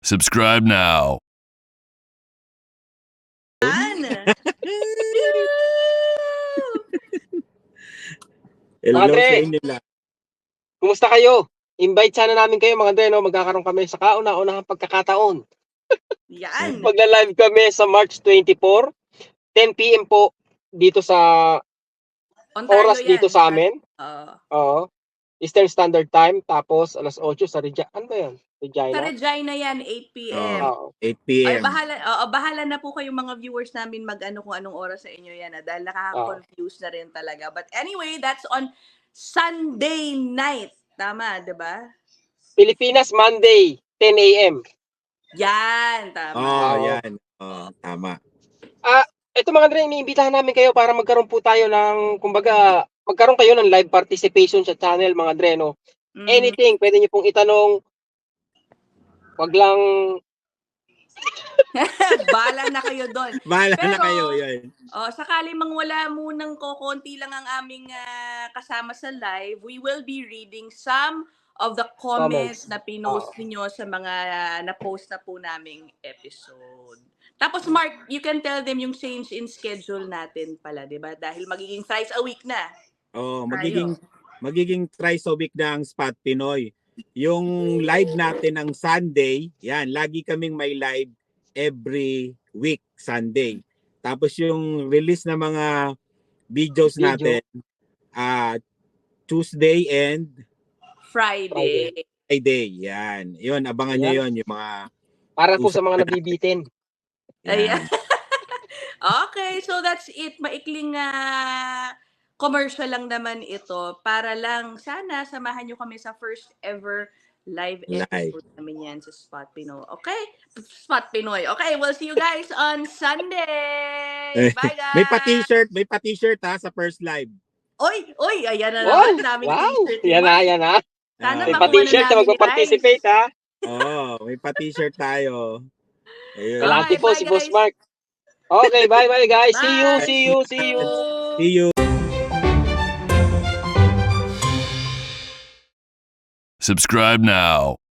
Subscribe now. Hello Mga Dre, sa inyo lahat. kumusta kayo? Invite sana namin kayo mga Dre, no? Magkakaroon kami sa kauna-unahang pagkakataon. Yan. Magla-live kami sa March 24, 10 p.m. po dito sa Ontario oras dito yan. sa amin. Oo. Oo. Eastern Standard Time. Tapos alas 8 sa Regina. Ano ba yun? Sa Regina? Regina yan, 8 p.m. Oo. 8 Ay, p.m. bahala na po kayong mga viewers namin mag-ano kung anong oras sa inyo yan. Dahil nakaka-confuse na rin talaga. But anyway, that's on Sunday night. Tama, di ba? Pilipinas, Monday, 10 a.m. Yan, tama. Oo. Yan. Tama. Ito mga Dre, iniimbitahan namin kayo para magkaroon po tayo ng, kumbaga, magkaroon kayo ng live participation sa channel mga Dre, no? Anything, pwede niyo pong itanong. Wag lang, Bahala na kayo doon. Bahala na Pero, kayo, yun. sakali mang wala munang konti lang ang aming kasama sa live, we will be reading some of the comments na pinost niyo sa mga na-post na po naming episode. Tapos Mark, you can tell them yung change in schedule natin pala, 'di ba? Dahil magiging thrice a week na. Magiging thrice a week na ang Spot Pinoy. Yung live natin ng Sunday, yan, lagi kaming may live every week, Sunday. Tapos yung release ng mga videos natin, Tuesday and Friday. Yan. Yun, abangan nyo yun, yung mga... para po sa mga nabibitin. Ayan. Okay, so that's it. Maikling commercial lang naman ito para lang sana samahan nyo kami sa first ever live episode namin yan sa Spot Pinoy. Okay? Spot Pinoy. Okay, we'll see you guys on Sunday. Bye guys! May pa-t-shirt sa first live. Oy, ayan na naman. Daming t-shirt. Yan na. Sana May makuha pa-t-shirt na magpa-participate, ha? May pa-t-shirt tayo. Ayun. Kalati po bye, si guys. Boss Mark. Okay, bye guys. Bye. See you. See you. Subscribe now.